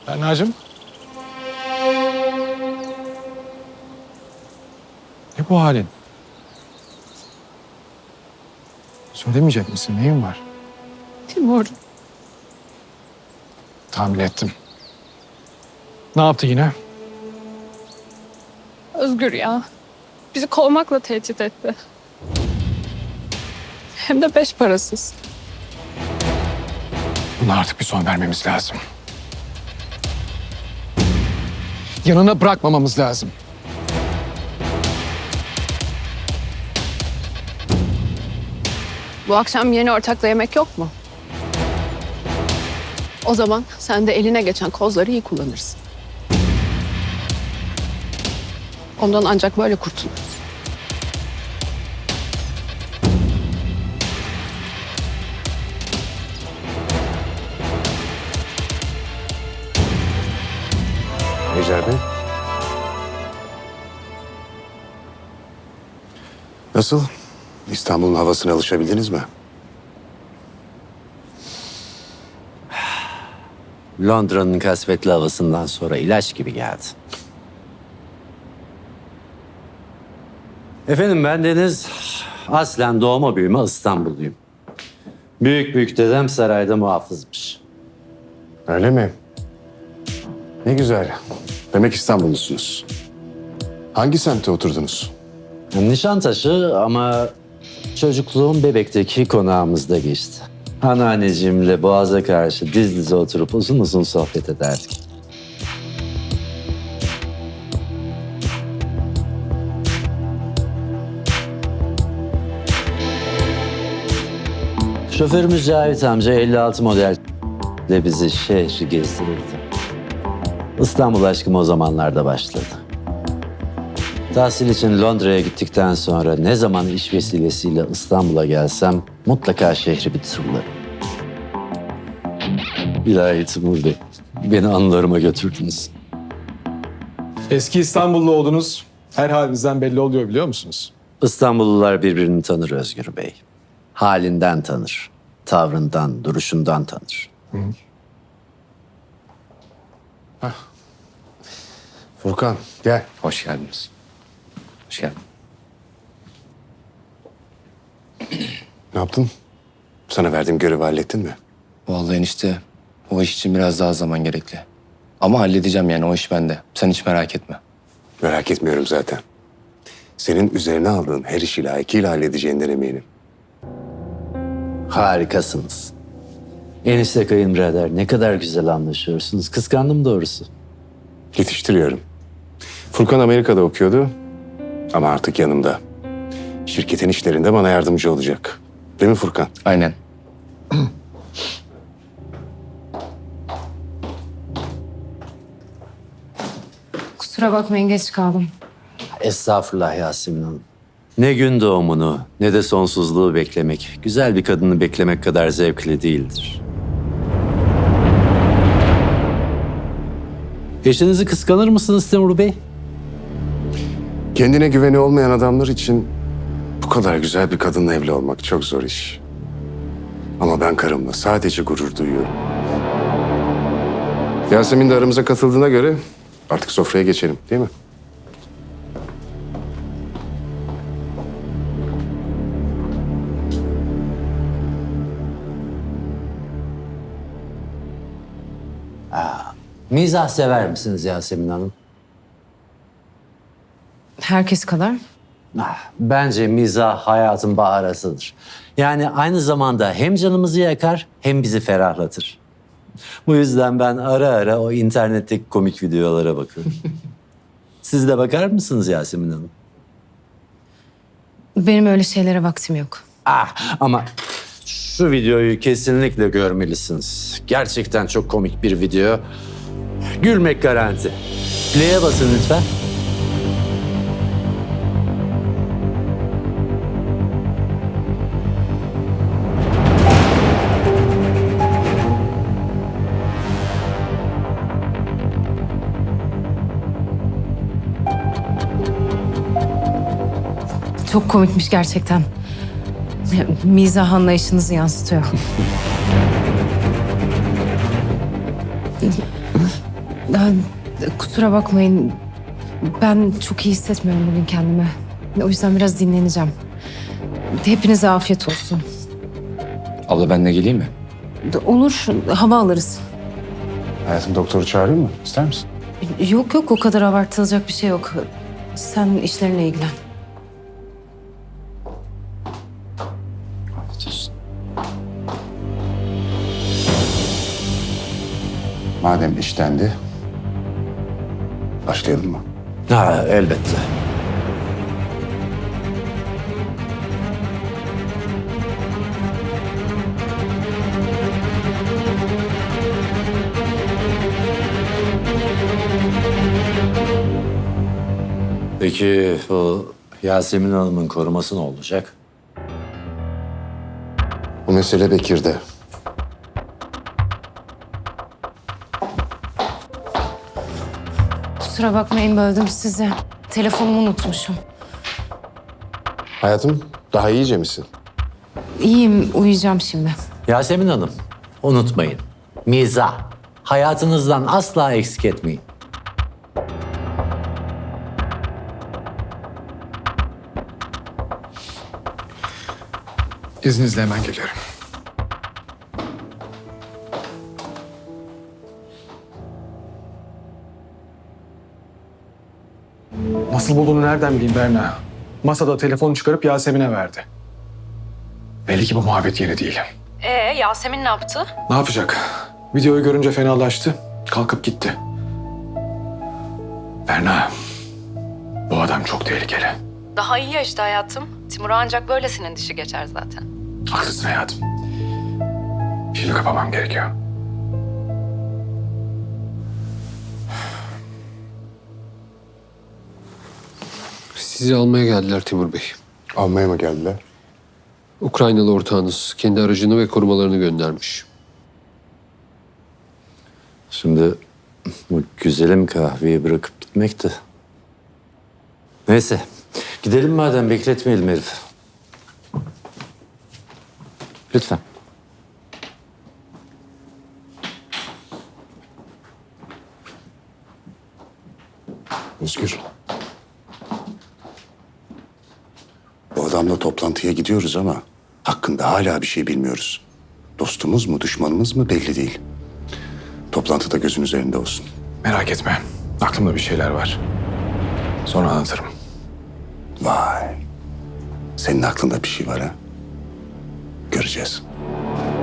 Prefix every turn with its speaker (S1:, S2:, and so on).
S1: Berna'cığım. Ne bu halin? Söylemeyecek misin? Neyin var?
S2: Timur,
S1: Tahmin ettim. Ne yaptı yine?
S2: Özgür ya. Bizi kovmakla tehdit etti. Hem de 5 parasız.
S1: Buna artık bir son vermemiz lazım. Yanına bırakmamamız lazım.
S2: Bu akşam yeni ortakla yemek yok mu? O zaman sen de eline geçen kozları iyi kullanırsın. Ondan ancak böyle kurtuluruz.
S3: Ejder Bey. Nasıl? İstanbul'un havasına alışabildiniz mi?
S4: Londra'nın kasvetli havasından sonra ilaç gibi geldi. Efendim ben Deniz, aslen doğma büyüme İstanbulluyum. Büyük dedem sarayda muhafızmış.
S3: Öyle mi? Ne güzel. Demek İstanbullusunuz. Hangi semtte oturdunuz?
S4: Nişantaşı ama çocukluğum Bebek'teki konağımızda geçti. Anneanneciğimle boğaza karşı diz dize oturup uzun uzun sohbet ederdik. Şoförümüz Cavit amca 56 model de bizi şehri gezdirirdi. İstanbul aşkım o zamanlarda başladı. Tahsil için Londra'ya gittikten sonra ne zaman iş vesilesiyle İstanbul'a gelsem mutlaka şehri bir turlarım. İlahi Timur Bey, beni anılarıma götürdünüz.
S1: Eski İstanbullu oldunuz. Her halinizden belli oluyor biliyor musunuz?
S4: İstanbullular birbirini tanır Özgür Bey. Halinden tanır, tavrından, duruşundan tanır.
S3: Furkan gel.
S5: Hoş geldiniz. Hoş geldin.
S3: Ne yaptın? Sana verdiğim görevi hallettin mi?
S5: Vallahi enişte o iş için biraz daha zaman gerekli. Ama halledeceğim yani o iş bende. Sen hiç merak etme.
S3: Merak etmiyorum zaten. Senin üzerine aldığın her işi layıkıyla halledeceğinden eminim.
S4: Harikasınız. Enişte kayınbirader ne kadar güzel anlaşıyorsunuz. Kıskandım doğrusu.
S3: Yetiştiriyorum. Furkan Amerika'da okuyordu ama artık yanımda. Şirketin işlerinde bana yardımcı olacak. Değil mi Furkan?
S5: Aynen.
S6: Kusura bakmayın geç kaldım.
S4: Estağfurullah Yasemin Hanım. Ne gün doğumunu ne de sonsuzluğu beklemek, güzel bir kadını beklemek kadar zevkli değildir. Eşinizi kıskanır mısınız Timur Bey?
S3: Kendine güveni olmayan adamlar için bu kadar güzel bir kadınla evli olmak çok zor iş. Ama ben karımla sadece gurur duyuyorum. Yasemin de aramıza katıldığına göre artık sofraya geçelim, değil mi?
S4: Mizah sever misiniz Yasemin Hanım?
S6: Herkes kadar.
S4: Bence mizah hayatın baharasıdır. Yani aynı zamanda hem canımızı yakar hem bizi ferahlatır. Bu yüzden ben ara ara o internetteki komik videolara bakıyorum. Siz de bakar mısınız Yasemin Hanım?
S6: Benim öyle şeylere vaktim yok.
S4: Ama şu videoyu kesinlikle görmelisiniz. Gerçekten çok komik bir video. Gülmek garanti. Play'e basın lütfen.
S6: Çok komikmiş gerçekten. Mizah anlayışınızı yansıtıyor. Kusura bakmayın. Ben çok iyi hissetmiyorum bugün kendimi. O yüzden biraz dinleneceğim. Hepinize afiyet olsun.
S5: Abla ben de geleyim mi?
S6: Olur, hava alırız.
S3: Hayatım doktoru çağırayım mı? İster misin?
S6: Yok yok, o kadar abartılacak bir şey yok. Sen işlerine ilgilen.
S3: Madem iştendi, başlayalım mı?
S4: Ha, elbette. Peki bu Yasemin Hanım'ın koruması ne olacak?
S3: Bu mesele Bekir'de.
S6: Kusura bakmayın, böldüm sizi. Telefonumu unutmuşum.
S3: Hayatım, daha iyice misin?
S6: İyiyim, uyuyacağım şimdi.
S4: Yasemin Hanım, unutmayın. Mizah. Hayatınızdan asla eksik etmeyin.
S1: İzninizle hemen geliyorum. Nasıl bulduğunu nereden bileyim Berna? Masada telefonu çıkarıp Yasemin'e verdi. Belli ki bu muhabbet yeri değil.
S6: Yasemin ne yaptı?
S1: Ne yapacak? Videoyu görünce fenalaştı. Kalkıp gitti. Berna, bu adam çok tehlikeli.
S7: Daha iyi ya işte hayatım. Timur'a ancak böylesinin dişi geçer zaten.
S1: Haklısın hayatım. Şimdi kapamam gerekiyor.
S8: Sizi almaya geldiler Timur Bey.
S3: Almaya mı geldiler?
S8: Ukraynalı ortağınız kendi aracını ve korumalarını göndermiş.
S4: Şimdi bu güzelim kahveyi bırakıp gitmekti. Neyse, gidelim madem, bekletmeyelim herifi. Lütfen.
S3: Özgür. Bu adamla toplantıya gidiyoruz ama hakkında hala bir şey bilmiyoruz. Dostumuz mu, düşmanımız mı belli değil. Toplantıda gözün üzerinde olsun.
S1: Merak etme. Aklımda bir şeyler var. Sonra anlatırım.
S3: Vay. Senin aklında bir şey var ha? Göreceğiz.